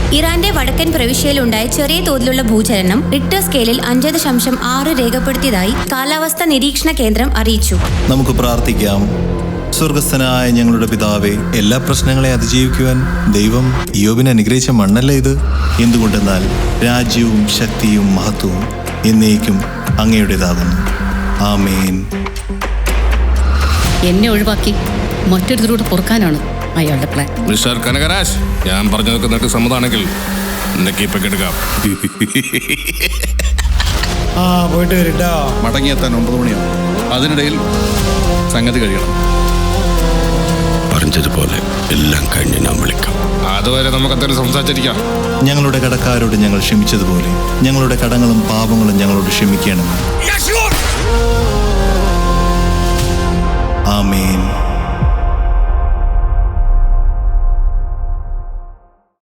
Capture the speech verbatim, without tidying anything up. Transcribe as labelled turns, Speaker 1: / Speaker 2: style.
Speaker 1: ഇറാന്റെ വടക്കൻ പ്രവിശ്യയിലുണ്ടായ ചെറിയ തോതിലുള്ള ഭൂചലനം റിക്ടർ സ്കെയിലിൽ അഞ്ച് ദശാംശം ആറ് രേഖപ്പെടുത്തിയതായി കാലാവസ്ഥാ നിരീക്ഷണ കേന്ദ്രം അറിയിച്ചു.
Speaker 2: നമുക്ക് പ്രാർത്ഥിക്കാം. സ്വർഗസ്ഥനായ ഞങ്ങളുടെ പിതാവേ, എല്ലാ പ്രശ്നങ്ങളെ അതിജീവിക്കുവാൻ ദൈവം ഇയ്യോബിനെ അനുഗ്രഹിച്ച മണ്ണല്ലേ ഇത്? എന്തുകൊണ്ടെന്നാൽ രാജ്യവും ശക്തിയും മഹത്വവും എന്നേക്കും അങ്ങയുടേതാകുന്നു. ആമേൻ.
Speaker 3: എന്നെ ഒഴിവാക്കി മറ്റൊരുത്തരോട് പൊറുക്കാനാണ് അയാളുടെ പ്ലാൻ.
Speaker 4: മിസ്റ്റർ കനകരാജ്, ഞാൻ പറഞ്ഞതൊക്കെ നിനക്ക് സമ്മതമാണെങ്കിൽ നിനക്ക് ഇപ്പൊ എടുക്കാം.
Speaker 5: ആ പോയിട്ട് വരട്ടോ.
Speaker 6: മടങ്ങിയെത്താൻ ഒമ്പത് മണിയാവും. അതിനിടയിൽ സംഗതി കഴിയണം.
Speaker 4: പറഞ്ഞതുപോലെ എല്ലാം കഴിഞ്ഞ് ഞാൻ വിളിക്കാം. അതുവരെ നമുക്ക് എന്തായാലും സംസാരിച്ചിരിക്കാം.
Speaker 2: ഞങ്ങളുടെ കടക്കാരോട് ഞങ്ങൾ ക്ഷമിച്ചതുപോലെ ഞങ്ങളുടെ കടങ്ങളും പാപങ്ങളും ഞങ്ങളോട് ക്ഷമിക്കണം. ആമേൻ.